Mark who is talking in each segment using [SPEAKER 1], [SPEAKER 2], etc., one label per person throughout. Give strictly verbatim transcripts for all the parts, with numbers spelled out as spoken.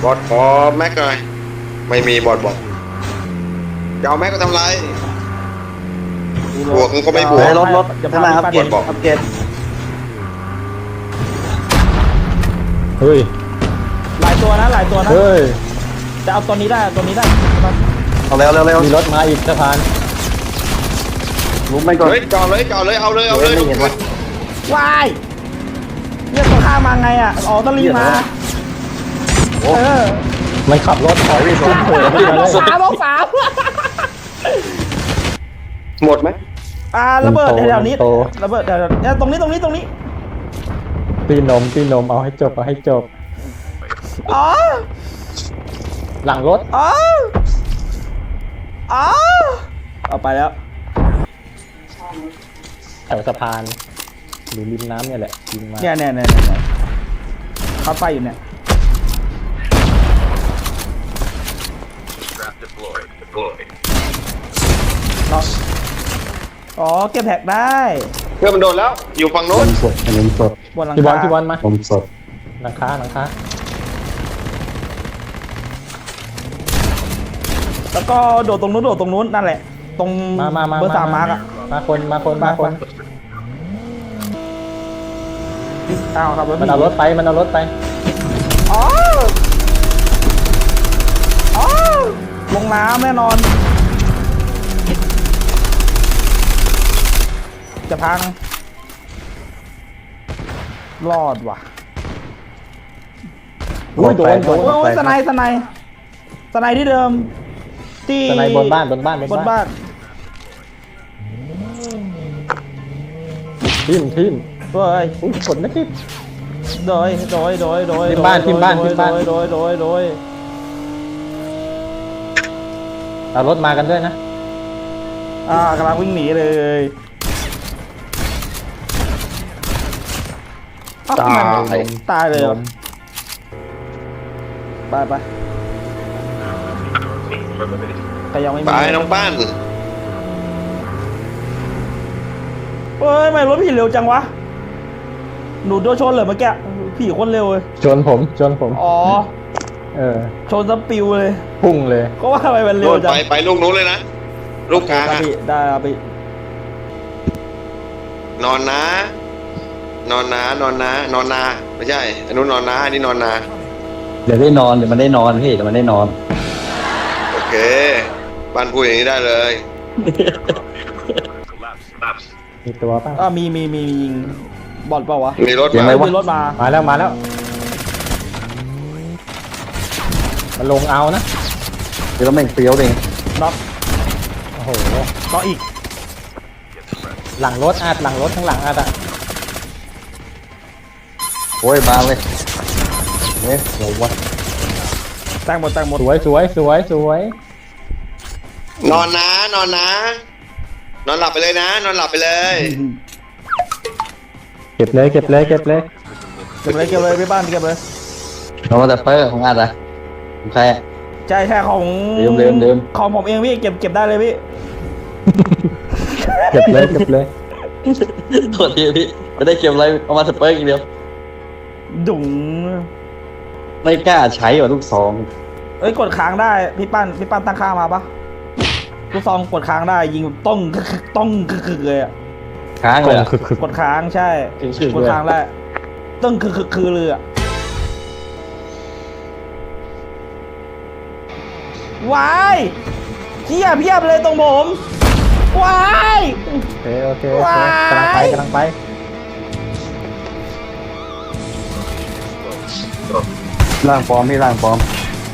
[SPEAKER 1] บอดขอแม็กหน่อยไม่มีบอดบอกจะเอาแม็กก็ทำไรบวกมันก็ไม่บวก
[SPEAKER 2] รถรถจะพาอัปเกรดอัปเกรด
[SPEAKER 3] เฮ้ย
[SPEAKER 4] หลายตัวนะหลายตัวนะ
[SPEAKER 3] เฮ้ย
[SPEAKER 4] จะเอาตัวนี้ได้ตัวนี้ได้
[SPEAKER 2] เอาเร็วเร็วเร็ว
[SPEAKER 3] มีรถมาอีกสะพาน
[SPEAKER 2] ลุกไม่ก่อน
[SPEAKER 1] เฮ้ยจอดเลยจอดเลยเอาเลยเอาเลย
[SPEAKER 2] ไม่เห็นวะ
[SPEAKER 4] วายเนี่ยตัวข้ามมาไงอ่ะอ๋อต้องรีบมาเออ
[SPEAKER 3] มันขับรถถอยไปสุดโผล่ขึ้นมาเลย
[SPEAKER 4] สามเอาสาม
[SPEAKER 1] หมดไหม
[SPEAKER 4] อ่าระเบิดแถวๆนี้ระเบิดแถวๆเนี่ยตรงนี้ตรงนี้ตรงนี้
[SPEAKER 3] ปีนมปีนมเอาให้จบเอาให้จบ
[SPEAKER 4] อ๋อ
[SPEAKER 3] หลังรถ
[SPEAKER 4] อ๋ออ๋อเอาไปแล้ว
[SPEAKER 3] แถวสะพานหรือริมน้ำเนี่ยแหละยิงมา
[SPEAKER 4] เนี่ยเนี่ยเนี่ยเนี่ยเขาไปอยู่เนี่ยอ๋อเก็บแท็กได้
[SPEAKER 1] เพื่อนมันโดนแล้วอยู่ฝั่งโน้
[SPEAKER 2] ผ
[SPEAKER 1] น
[SPEAKER 2] มสดผมสด
[SPEAKER 4] บนหลัง
[SPEAKER 3] พี่บอล
[SPEAKER 4] คา
[SPEAKER 3] พี่บอลมา
[SPEAKER 2] ผมสด
[SPEAKER 3] หลังคาหลังคา
[SPEAKER 4] แล้วก็โดดตรงนู้นโดดตรงนู้นนั่นแหละ ตรง
[SPEAKER 3] มามามา
[SPEAKER 4] เบอร์สามมาร์กอะ
[SPEAKER 3] มาคนมาคนมาคน
[SPEAKER 4] อ้าวครับรถ
[SPEAKER 3] มันเอารถไปมันเอารถไป
[SPEAKER 4] อ๋ออ๋อลงน้ำแน่นอน จะพัง รอดว่ะ
[SPEAKER 3] อุ้ยโดนโดน
[SPEAKER 4] โอ้ยสไนด์สไนด์สไนด์ที่เดิม ที่
[SPEAKER 3] สไนบนบ้านบนบ้าน
[SPEAKER 4] บนบ้าน
[SPEAKER 3] ทิมทิม
[SPEAKER 4] เฮ้ย
[SPEAKER 3] อุ้ยฝนไม่ทิม
[SPEAKER 4] โดยโดยโดยโดย
[SPEAKER 3] ที่บ้านที่บ้านที่บ้าน
[SPEAKER 4] โดยโดยโดย
[SPEAKER 3] เอารถมากันด้วยนะ
[SPEAKER 4] อ่ากำลังวิ่งหนีเลยเอ้
[SPEAKER 3] ตาย
[SPEAKER 4] มันตายเลยเหรอไปไปใครยังไม่มี
[SPEAKER 1] ไปน้องป้าน
[SPEAKER 4] เฮ้ยทำไม่รถผีเร็วจังวะหนูโดนชนเลยเมื่อกี้ผีโคนเร็วเลย
[SPEAKER 3] ชนผมชนผม
[SPEAKER 4] อ๋อ
[SPEAKER 3] เออ
[SPEAKER 4] ชนสปิวเลย
[SPEAKER 3] พุ่งเลย
[SPEAKER 4] ก็ว่าทำไมมันเร็
[SPEAKER 1] โด
[SPEAKER 4] วน จัง
[SPEAKER 1] ไปไปลูกนู้นเลยนะลูกกลาง
[SPEAKER 4] ครับ
[SPEAKER 1] อะ
[SPEAKER 4] พี่ได้ครับพี่
[SPEAKER 1] นอนนะ นอนนะนอนนะนอนนาไม่ใช่อันนู้นนอนนะอันนี้นอนนา
[SPEAKER 2] เดี๋ยวได้นอนเดี๋ยวมันได้นอนพี่เดี๋ยวมันได้นอน
[SPEAKER 1] โอเคบ้านพูดอย่างนี้ได้เลย
[SPEAKER 3] มีตัวป่ะ
[SPEAKER 4] อ่ามีมีมีมียิงบอลเปล่าวะ
[SPEAKER 1] มีรถ
[SPEAKER 2] เสียง
[SPEAKER 1] มา
[SPEAKER 2] อะไรวะ
[SPEAKER 4] มีรถมา
[SPEAKER 3] มาแล้วมาแล้วมันลงเอานะ
[SPEAKER 2] เดี๋ยวเราแม่งเปรี้ยวเอง
[SPEAKER 4] น็อก
[SPEAKER 3] โอ้โห
[SPEAKER 4] น็อกอีก
[SPEAKER 3] หลังรถอาดหลังรถข้างหลังอาดอะ
[SPEAKER 2] โอ้ยมาเลยเนี่ยโหวะ
[SPEAKER 4] แตงหมดแตงหมด
[SPEAKER 3] สวยสวยสวยสวย
[SPEAKER 1] นอนนะนอนนะ นอนหลับไปเลยนะ นอนหลับไปเลย
[SPEAKER 3] เก็บเลยเก็บเลยเก็บเลย
[SPEAKER 4] เก็บเลยเก็บเลยไปบ้านเก็บเลย
[SPEAKER 2] เรามาแต่เปอร์ของอาร์ตอะของใครอะ
[SPEAKER 4] ใช่ใช่ของ
[SPEAKER 2] เดิมเดิมเดิม
[SPEAKER 4] ของผมเองพี่เก็บเก็บได้เลยพี่
[SPEAKER 3] เก็บเลยเก็บเลย
[SPEAKER 2] โทษทีพี่ไม่ได้เก็บอะไรเอามาสเปอร์อีกเดียว
[SPEAKER 4] ดุ๋ง
[SPEAKER 2] ไม่กล้าใช้ว่ะลูกซอง
[SPEAKER 4] เอ้ยกดค้างได้พี่ปั้นพี่ปั้นตั้งค่ามาปะลูกซองกดค้างได้ยิงแบบต้องคือต้องคือเลยอะ
[SPEAKER 2] ค้างเลยอะ
[SPEAKER 3] คือคือก
[SPEAKER 4] ดค้างใช่
[SPEAKER 2] คือๆ
[SPEAKER 4] กดค้างได้ต้องคือคือคือเลยอะวายเพียบเพียบเลยตรงผมวาย
[SPEAKER 3] โอเคโอเคโอเค
[SPEAKER 4] ว้าย
[SPEAKER 3] กำลังไปกำลังไป
[SPEAKER 2] ร่างปลอมพี่ร่างปลอม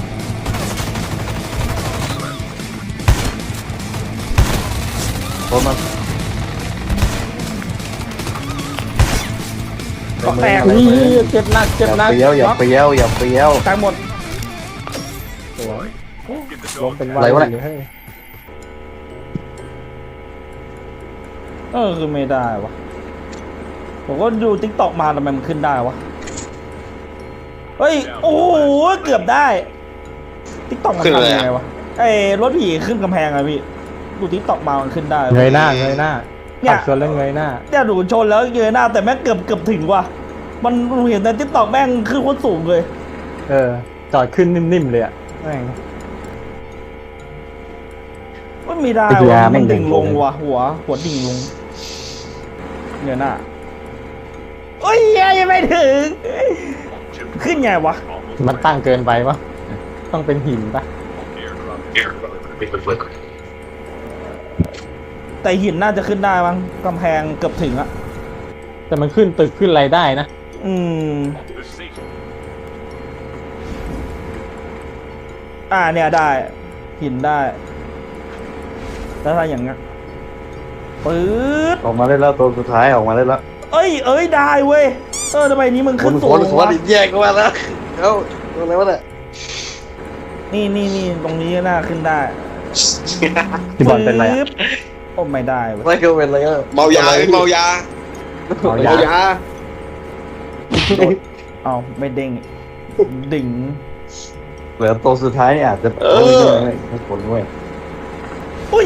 [SPEAKER 2] โอ้มา
[SPEAKER 4] ก็แตก
[SPEAKER 3] อุ้ยเจ็บหนัก
[SPEAKER 2] อ
[SPEAKER 3] เจ็บ
[SPEAKER 2] ย่า
[SPEAKER 3] หนัก
[SPEAKER 2] เปรี้ยวอย่าเปรี้ยวอย่าเปรี้ยว
[SPEAKER 4] แตกหมด
[SPEAKER 3] สวยล้มเป็น
[SPEAKER 2] อะไรวะ
[SPEAKER 3] เล
[SPEAKER 2] เนี่ย
[SPEAKER 3] ยเฮ้ย
[SPEAKER 4] เออคือไม่ได้วะผมก็ดูติ๊กต็อกมาทำไมมันขึ้นได้วะเฮ้ยโอ้โหเกือบได้ติ๊กต็อกมันทำยังไงวะไอ้รถผีขึ้นกำแพงอะพี่ดูติ๊กต็อกมามันขึ้นได้
[SPEAKER 3] เงยหน้าเงยหน้า
[SPEAKER 4] เนี่ย
[SPEAKER 3] ขับชนแล้วเงยหน้า
[SPEAKER 4] เนี่ยดูชนแล้วเงยหน้าแต่แม่งเกือบเกือบถึงว่ะมันเห็นในติ๊กต็อกแม่งขึ้นโคตรสูงเลย
[SPEAKER 3] เออจอดขึ้นนิ่มๆเลยอ่ะแม่ง
[SPEAKER 4] มันไม่ได้
[SPEAKER 3] ไอ้เหี้ยว
[SPEAKER 4] ะ
[SPEAKER 3] แม่
[SPEAKER 4] มัน
[SPEAKER 3] ง
[SPEAKER 4] ดิ่งลง
[SPEAKER 3] ดิ่งลง
[SPEAKER 4] ว่ะหัว หัวดิ่งลงเดี๋ยวน่ะโอ้ยเหี้ยยังไม่ถึง ขึ้นไงวะ
[SPEAKER 3] มันตั้งเกินไปปะต้องเป็นหินปะ
[SPEAKER 4] แต่หินน่าจะขึ้นได้มั้งกำแพงเกือบถึงอะ
[SPEAKER 3] แต่มันขึ้นตึกขึ้นอะไรได้นะ
[SPEAKER 4] อืม อ่าเนี่ยได้ หินได้แล้วถ้าอย่างเงี้ยปื๊ด
[SPEAKER 2] ออกมาได้แล้วตัวสุดท้ายออกมาได้แล้ว
[SPEAKER 4] เอ้ย เอ้ย ได้เว้ย เออทำไมนี้มึง
[SPEAKER 2] ค
[SPEAKER 4] ขึ้น
[SPEAKER 2] น
[SPEAKER 4] สู
[SPEAKER 2] ค
[SPEAKER 4] ง
[SPEAKER 2] นคน
[SPEAKER 4] วะ
[SPEAKER 2] แยกกันมาแล้วเอ้าตรงไหนวะเนี่ย
[SPEAKER 4] นี่นี่นี่ตรงนี้น่าขึ้นได้
[SPEAKER 3] พี่บอลเป็นไร
[SPEAKER 4] ปึ๊
[SPEAKER 3] อะ
[SPEAKER 4] บโอ้ไม่ได้เว้ย
[SPEAKER 2] ไม่ก็เป็นอะไรก็
[SPEAKER 1] เมายาเมายา
[SPEAKER 3] เอา
[SPEAKER 1] เมายา
[SPEAKER 4] เอาไม่เด้งดิ่ง
[SPEAKER 2] เหลือตัวสุดท้ายเนี่ยอาจจะ
[SPEAKER 1] เออ
[SPEAKER 2] ไม่ผลเว้ย
[SPEAKER 4] อุ้ย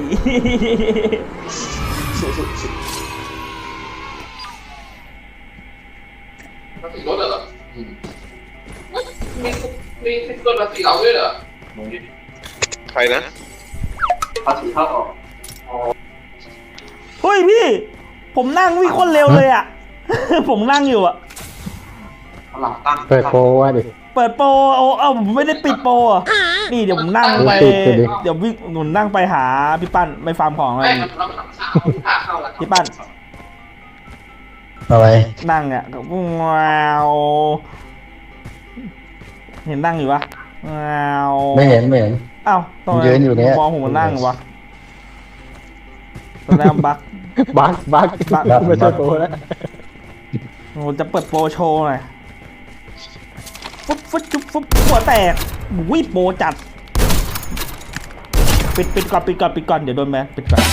[SPEAKER 5] รถเหรอมีมีมีตัวภาษีเราด้วยเหรอ
[SPEAKER 1] ใครนะ
[SPEAKER 5] ภาษีเข้าออก
[SPEAKER 4] เฮ้ยพี่ ผมนั่งวิ่งคนเร็วเลยอ่ะ ผมนั่งอยู่อ่ะ
[SPEAKER 5] หลังตั้ง
[SPEAKER 3] เปิดโปรว่าดิ
[SPEAKER 4] เปิดโปรโอ้เอ้าผมไม่ได้ปิดโปรอ่ะนี่เดี๋ยวผมนั่งไป
[SPEAKER 3] ปิดปิดดิ
[SPEAKER 4] เดี๋ยววิ่งหนุนนั่งไปหาพี่ปั้นไปฟาร์มของอะไร
[SPEAKER 5] ไม่เราหลังเช้าขาเข้าแล้ว
[SPEAKER 4] พี่ปั้น
[SPEAKER 2] อะไร
[SPEAKER 4] นั่งอ่ะว้าวเห็นนั่งอยู่ปะว้าว
[SPEAKER 2] ไม่เห็นไม่เห็น
[SPEAKER 4] เอ้าทำไม
[SPEAKER 2] ยืนอยู่เนี่ย
[SPEAKER 4] มองผมมันนั่งวะตอนแรกมันบัก
[SPEAKER 3] บักบัก
[SPEAKER 4] บัก
[SPEAKER 3] ไม่ใช่โปรแล้ว
[SPEAKER 4] ผมจะเปิดโปรโชว์หน่อยฟุ๊บฟุ๊บจุ๊บฟุ๊บหัวแตกวิโปรจัด ปิดปิดก่อนปิดก่อนปิดก่อนเดี๋ยวโดนแมนปิดก่อน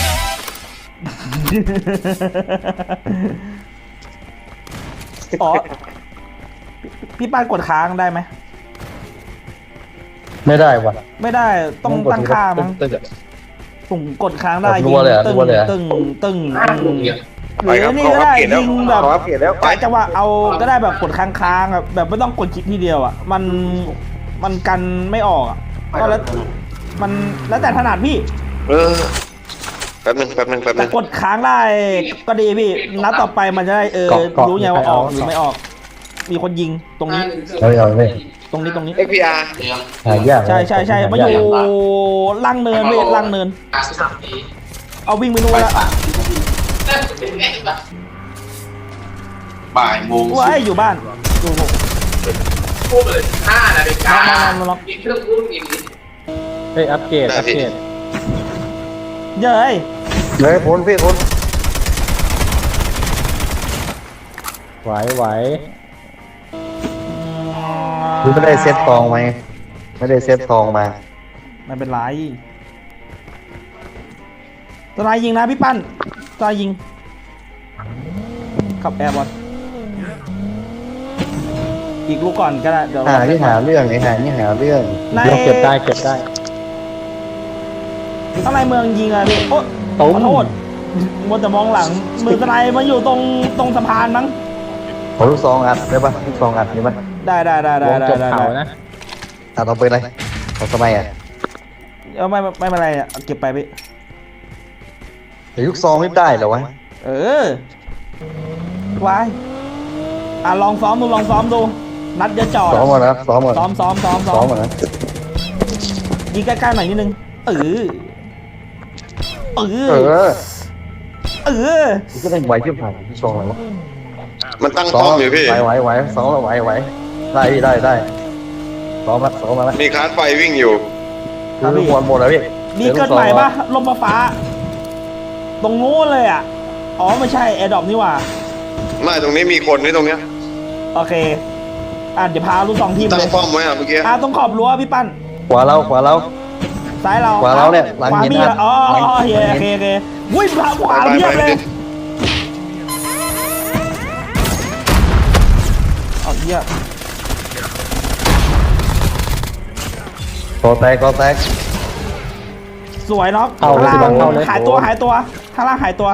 [SPEAKER 4] อ๋อพี่พี่ป้านกดค้างได้ไหม
[SPEAKER 2] ไม่ได้ว่ะ
[SPEAKER 4] ไม่ได้ต้องตั้งค่ามั้งผมกดค้างได้
[SPEAKER 2] แบบรั
[SPEAKER 4] ยิง
[SPEAKER 2] วเลยอะ
[SPEAKER 4] ตึ้ง
[SPEAKER 2] รัวเลยอะ
[SPEAKER 4] ตึ้งตึ้ง
[SPEAKER 5] ตั้งลงเนี่ย
[SPEAKER 4] หรือนี่ก็ได้ยิงแบบ
[SPEAKER 1] ขออัปเกรดแล้วไป
[SPEAKER 4] จังหวะเอาก็ได้แบบกดค้างๆอะแบบไม่ต้องกดคลิกทีเดียวอ่ะมันมันกันไม่ออกอ่ะก็แล้วมันแล้วแต่ถนัดพี่
[SPEAKER 1] เออแป๊บนึงแป๊บนึงแป๊บนึ
[SPEAKER 4] แต่
[SPEAKER 1] ง
[SPEAKER 4] กดค้างได้ก็ดีพี่นัดต่อไปมันจะได้เออ
[SPEAKER 3] เกาะเกาะ
[SPEAKER 4] รู้ไงว่าออก
[SPEAKER 3] เกาะ
[SPEAKER 4] หรือไม่ออก มีคนยิงตรงนี้
[SPEAKER 2] เอาเอาเลย
[SPEAKER 4] ตรงนี้ตรงนี้
[SPEAKER 1] เอ็กพีอาร์
[SPEAKER 2] หายาก
[SPEAKER 4] ใช่ใช่ใช่มาอยู่ล่างเนินเวทล่างเนิน
[SPEAKER 5] การสามปี
[SPEAKER 4] เอาวิ่งไปนู่นแล้ว
[SPEAKER 5] นั่นเป็นไงบ้างบ่ายโมง
[SPEAKER 4] ว้ายอยู่บ้านอยู่
[SPEAKER 5] พูดเลยห้านาฬิกา
[SPEAKER 4] ล็อกล็อกล็อก
[SPEAKER 5] กินเครื่องรุ่งอย่างนี้
[SPEAKER 3] เฮ้ยอัปเกรดอัปเกรด
[SPEAKER 4] เย้ย
[SPEAKER 2] เลยพ้นพี่พ้น
[SPEAKER 3] ไหวไหว
[SPEAKER 2] คือไม่ได้เซตทองไหมไม่ได้เซตทองมา
[SPEAKER 4] ไม่เป็นไรตรายยิงนะพี่ปั้นตรายยิงขับแอร์บอลอีกลูกก่อนก็ได้เดี๋ยว
[SPEAKER 2] หาที่หาเรื่องไอ้หานี่หาเรื่อง
[SPEAKER 4] ใน
[SPEAKER 3] เราเก็บได้เก็บได้
[SPEAKER 4] ข้างในเมืองยิงอะพี่โอ๊ะข
[SPEAKER 3] ตุ้ม
[SPEAKER 4] อโทษมัวแต่มองหลังมือตรายมาอยู่ตรงตรงสะพานมั้ง
[SPEAKER 2] ขอลูกซองอัดได้ปะลูกซองอัดนี่ปะ
[SPEAKER 4] ได้ได้ได้ได้
[SPEAKER 3] วง
[SPEAKER 4] ได้
[SPEAKER 3] จบ
[SPEAKER 4] ได้
[SPEAKER 3] เขานะ
[SPEAKER 2] อัดเอาไปเลยเอาทำไมอ่ะ
[SPEAKER 4] เอาไม่ไม่ไม่เป็นไรอะเอาเก็บไปพี่
[SPEAKER 2] แต่ลูกซองไม่ได้เหรอวะ
[SPEAKER 4] เออวายอ่ะลองซ้อมดูลองซ้อมดูนัดเดี๋ยวจอด
[SPEAKER 2] ซ้อมมานะซ้อมมา
[SPEAKER 4] ซ้อมซ้อมซ้อมซ้
[SPEAKER 2] ซ้
[SPEAKER 4] อ
[SPEAKER 2] อม
[SPEAKER 4] ม
[SPEAKER 2] มานะ
[SPEAKER 4] ยิงใกล้ๆหน่อยนิดนึงเออเอ
[SPEAKER 2] เอ
[SPEAKER 4] อ
[SPEAKER 2] อ
[SPEAKER 4] เออ
[SPEAKER 2] มันก็ได้ไหวที่ผ่านลูกซองอะไรวะ
[SPEAKER 1] มันตั้ง
[SPEAKER 2] ซ้
[SPEAKER 1] ป้
[SPEAKER 2] อ
[SPEAKER 1] อ
[SPEAKER 2] ม
[SPEAKER 1] มอยู่พี่
[SPEAKER 2] ไหวไหวไหวซ้อมแล้วไหวไหวได้พี่ได้ได้ซ้อมละซ้อมมาละ
[SPEAKER 1] มีคลาสไฟวิ่งอยู่
[SPEAKER 2] คือหมดหมดแล้วพี่
[SPEAKER 4] มีเกิดใหม่ปะลมฟ้า ตรงนู้นเลยอ่ะ อ๋อไม่ใช่แอร์ดรอปนี่หว่า
[SPEAKER 1] ไม่ตรงนี้มีคนนี่ตรงเนี้ย
[SPEAKER 4] โอเค อ่ะเดี๋ยวพาลูกสองทีม
[SPEAKER 1] ตั้
[SPEAKER 4] เล
[SPEAKER 1] ง
[SPEAKER 4] ย
[SPEAKER 1] ป้อมไว้อะเมื่อกี้
[SPEAKER 4] อ่ะตรงขอบรั้วพี่ปั้น
[SPEAKER 2] ขวาเราขวาเรา
[SPEAKER 4] ซ้ายเรา
[SPEAKER 2] ขวาเราเนี่ยหลัง
[SPEAKER 4] ขวา
[SPEAKER 2] หิน
[SPEAKER 4] มี
[SPEAKER 2] นะ
[SPEAKER 4] อ๋ออ๋ออ๋อโอเคโอเคโอเควิ่งผ่านขวาเพียบเลยเอาเยี่ย
[SPEAKER 2] กอแตกกอแตก
[SPEAKER 4] สวยเนาะ
[SPEAKER 3] เข้า
[SPEAKER 4] ข้าง
[SPEAKER 3] เลย
[SPEAKER 4] ล่าง
[SPEAKER 3] เข้าเลย
[SPEAKER 4] หายตัวหายตัวข้างล่างหายตัว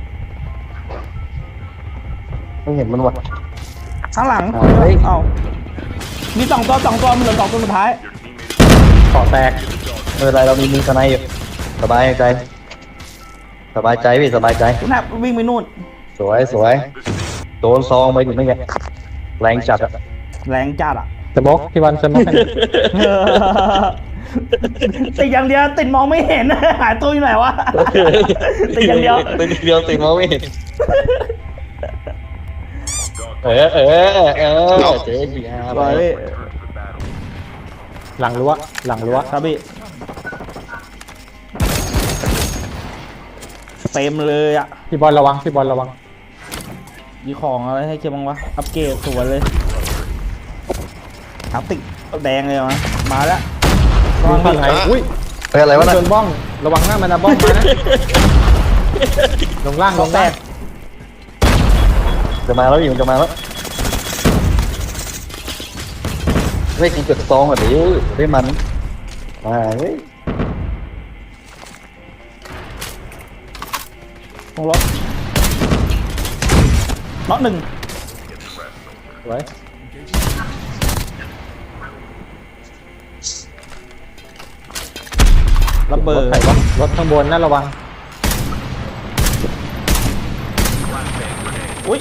[SPEAKER 2] ไม่เห็นมันวะ
[SPEAKER 4] ข้างหลัง
[SPEAKER 2] เอาเฮ้ย
[SPEAKER 4] เอามีสองตัวสองตัวมันเหลือสองตัวสุดท้าย
[SPEAKER 2] เกาะแตกไม่เป็นไรเรามีมือสไนอยู่สบายใจสบายใจพี่สบายใจ
[SPEAKER 4] น่ะวิ่งไปนู่น
[SPEAKER 2] สวยสวยโดนซองไปถึงไม่ไงแรงจัดอะ
[SPEAKER 4] แรงจัดอ่ะ
[SPEAKER 3] สมกพี่บอลสมกกัน
[SPEAKER 4] ติดอย่างเดียวติดมองไม่เห็น หายตัวอยู่ไหนวะ ติดอย่างเดียว
[SPEAKER 2] ติดเดียวติดมองไม่เห็นเออเออเออเจ๊ดีฮะ
[SPEAKER 4] ไปพี่
[SPEAKER 3] หลังรั้วหลังรั้ว
[SPEAKER 4] ครับพี่เต็มเลยอ่ะ
[SPEAKER 3] พี่บอลระวังพี่บอลระวัง
[SPEAKER 4] มีของอะไรให้เก็บบ้างวะอัปเกรดสวยเลยอัพติกแดงเลยมั้ยมาแล้ว
[SPEAKER 3] มีฝั่งไหนอุ้ย
[SPEAKER 2] เฮ้ยอะไรวะน่ะ
[SPEAKER 3] โดนบ้องระวังหน้ามันนะบ้องมานะลงล่างลงแตก
[SPEAKER 2] จะมาแล้วอยู่จะมาแล้วไม่กินจุดซองอ่ะดิได้มันมาเฮ้ย
[SPEAKER 4] ตรงรถน็อตหนึ่ง
[SPEAKER 3] สวย
[SPEAKER 4] ระเบิ
[SPEAKER 3] ร
[SPEAKER 4] ด
[SPEAKER 3] ถไถวะรถข้างบนน่าระวัง
[SPEAKER 4] อุ้ย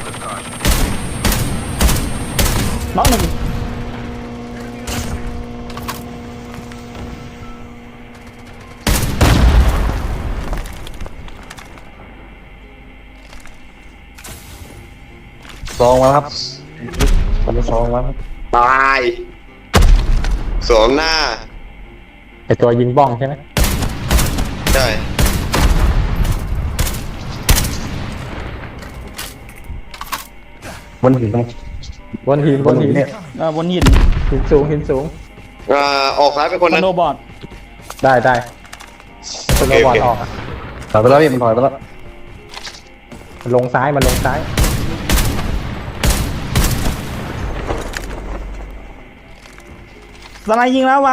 [SPEAKER 4] น็อตหนึ่ง
[SPEAKER 2] ซองมาครับทำซองมาครับ
[SPEAKER 1] ตายสวมหน้า
[SPEAKER 3] ไอตัวยิงบ้องใช่ไหม
[SPEAKER 1] ใช่
[SPEAKER 2] บนหินตรง
[SPEAKER 3] บนหิน
[SPEAKER 2] บบ น
[SPEAKER 3] น
[SPEAKER 2] หิ
[SPEAKER 3] หิ
[SPEAKER 2] น
[SPEAKER 3] น
[SPEAKER 2] เนี่ย
[SPEAKER 4] อ่าบนหิน
[SPEAKER 3] หินสูงหินสูง
[SPEAKER 1] อ่าออกซ้ายไปคน
[SPEAKER 4] ส
[SPEAKER 1] นั้น
[SPEAKER 4] โนว์บอร์ด
[SPEAKER 3] ได้ได้สโนว์บอร์ด
[SPEAKER 1] โอเค
[SPEAKER 3] ออกอะ
[SPEAKER 2] ถอยไปแล้วพี่มันถอยไปแล้ว
[SPEAKER 3] มันลงซ้ายมันลงซ้าย
[SPEAKER 4] สไนด์ยิงแล้ววัง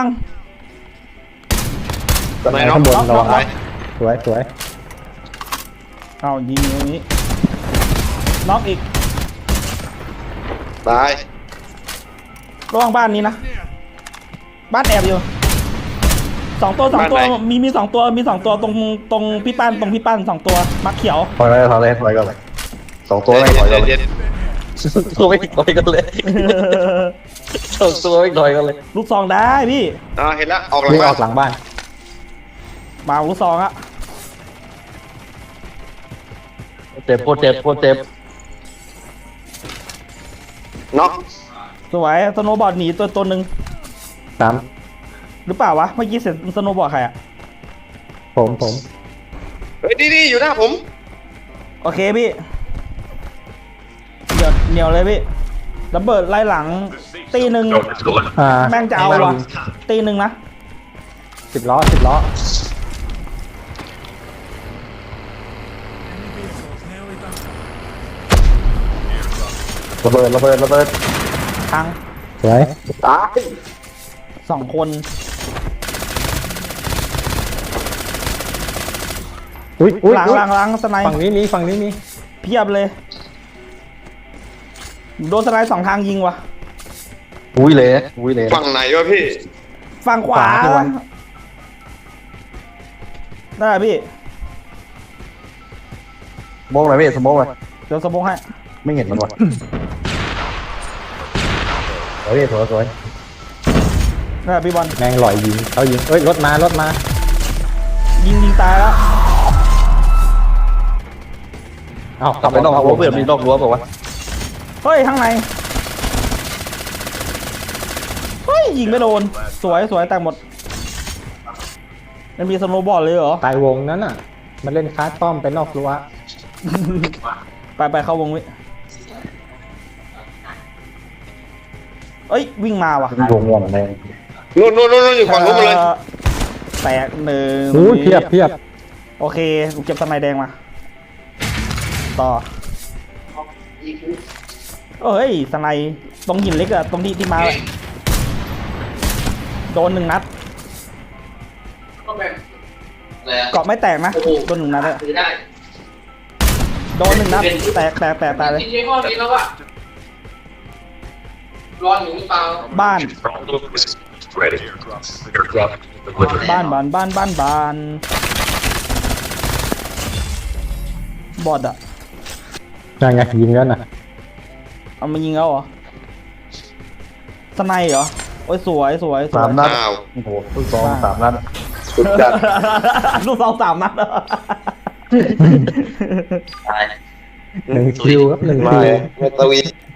[SPEAKER 1] ทำไมเนาะ
[SPEAKER 3] ข้างบนระวัง
[SPEAKER 1] ไป
[SPEAKER 3] สวยสวย
[SPEAKER 4] เอายิงตรงนี้น็อกอีก
[SPEAKER 1] ตาย
[SPEAKER 4] ระวังบ้านนี้นะบ้านแอบอยู่สองตัวสองตัวมีมีสองตัวมีสองตัวตรงตรงพี่ป้านตรงพี่ป้านสองตัวมักเขียว
[SPEAKER 2] ถอยไปถอยเลยถอยกันเลยสองตัวไม่ถอยกันเลย
[SPEAKER 1] เย็น
[SPEAKER 2] ตัวไม่ถอยกันเลยสองตัวไม่ถอยกันเลย
[SPEAKER 4] ลูกซองได้พี่
[SPEAKER 1] ๆอ่าเห็นแล้วออกหลัง
[SPEAKER 3] วิ่งอ
[SPEAKER 1] บ้า
[SPEAKER 3] อน กหลังบ้าน
[SPEAKER 4] มาลูกซองอะ
[SPEAKER 2] เจ็บโคตรเจ็บโคตรเจ็บ
[SPEAKER 1] น็อก
[SPEAKER 4] สวยสโนว์บอร์ดหนีตัวตัวหนึ่ง
[SPEAKER 3] สาม
[SPEAKER 4] หรือเปล่าวะเมื่อกี้เสร็จสโนว์บอร์ดใครอะ
[SPEAKER 3] ผมผม
[SPEAKER 1] เฮ้ยดีๆอยู่หน้าผม
[SPEAKER 4] โอเคพี่เดี๋ยวเหนียวเลยพี่ระเบิดไล่หลังตีหนึ่ง
[SPEAKER 3] อ่า
[SPEAKER 4] แม่งจะเอาวะตีหนึ่งนะ
[SPEAKER 3] สิบล้อสิบล้อ
[SPEAKER 2] ระเบิดระเบิดระเบิด
[SPEAKER 4] ทาง
[SPEAKER 3] สวย
[SPEAKER 2] ตาย
[SPEAKER 4] สองคน
[SPEAKER 3] อุ้ยอุ้ย
[SPEAKER 4] หลัง
[SPEAKER 3] อุ๊ย
[SPEAKER 4] หลังหลังสไนด์
[SPEAKER 3] ฝั่งนี้มีฝั่งนี้มี
[SPEAKER 4] เพียบเลยโดนสไนด์สองทางยิงวะ
[SPEAKER 2] อุ้ยเลยนะอุ้ยเลย
[SPEAKER 1] ฝั่งไหนวะพี่
[SPEAKER 4] ฝั่งขวาได้พี่
[SPEAKER 2] สโมองหน่อยพี่สโมองหน่อย
[SPEAKER 4] เดี๋ยวสมองให้
[SPEAKER 2] ไม่เห็นมันวะสวยพี่สวยสวย
[SPEAKER 4] ได้พี่บอล
[SPEAKER 3] แมงหลอยยิงเขายิงเอ้ยรถมารถมา
[SPEAKER 4] ยิงยิงตายแล้ว
[SPEAKER 3] เอ้าก
[SPEAKER 2] ลับไปนอกรั้วเพื่อนมีนอกรั้วเปล่าวะ
[SPEAKER 4] เฮ้ยข้างในเฮ้ยยิงไม่โดนสวยสวยแตกหมดมันมีสโนว์บอร์ดเลยเหรอ
[SPEAKER 3] ตายวงนั้นอ่ะ มันเล่นคาร์ดป้อมไปนอกรั้ว
[SPEAKER 4] ไปไปเข้าวงวิเอ้ยวิ่งมาว่ะ
[SPEAKER 2] วงวงแดง
[SPEAKER 1] นู่นนู่นนู่นอยู่ฝั่งนู้นหมดเลย
[SPEAKER 4] อ่อแตกหนึ่ง
[SPEAKER 3] โอ้ยเพียบเพียบ
[SPEAKER 4] โอเคกูเก็บสไนด์แดงมาต่อเอ้ยสไนด์ตรงหินเล็กอะตรงที่ที่มาโดนหนึ่งนัด
[SPEAKER 5] ก็แบบอะไรอะ
[SPEAKER 4] เกาะไม่แตกนะโดนหนึ่งนัดอะ
[SPEAKER 5] ถือได้
[SPEAKER 4] โดนหนึ่งนัดแตกแตกแตกแตกเลย
[SPEAKER 5] กินยี่ห้อนี้แล้วอะร้อนอยู่หรือเปล่า
[SPEAKER 4] บ้าน
[SPEAKER 6] Ready. Airdrop delivered.
[SPEAKER 4] บ้านบ้านบ้านบ้านบ้านบอดอะ
[SPEAKER 3] ยังไงยิงแล้วนะ
[SPEAKER 4] เอามายิงแล้วเหรอสไนเหรอโอ้ยสวยสวยสวย
[SPEAKER 2] สามนัด
[SPEAKER 1] อ้าว
[SPEAKER 2] โอ้โหลูกซองสามนัด
[SPEAKER 1] สุดจัด
[SPEAKER 4] ลูกสองสามนัดเหรอ
[SPEAKER 3] หนึ่งคิวครับหนึ่ง
[SPEAKER 1] ไม่
[SPEAKER 3] คิว
[SPEAKER 1] ไม่ตวี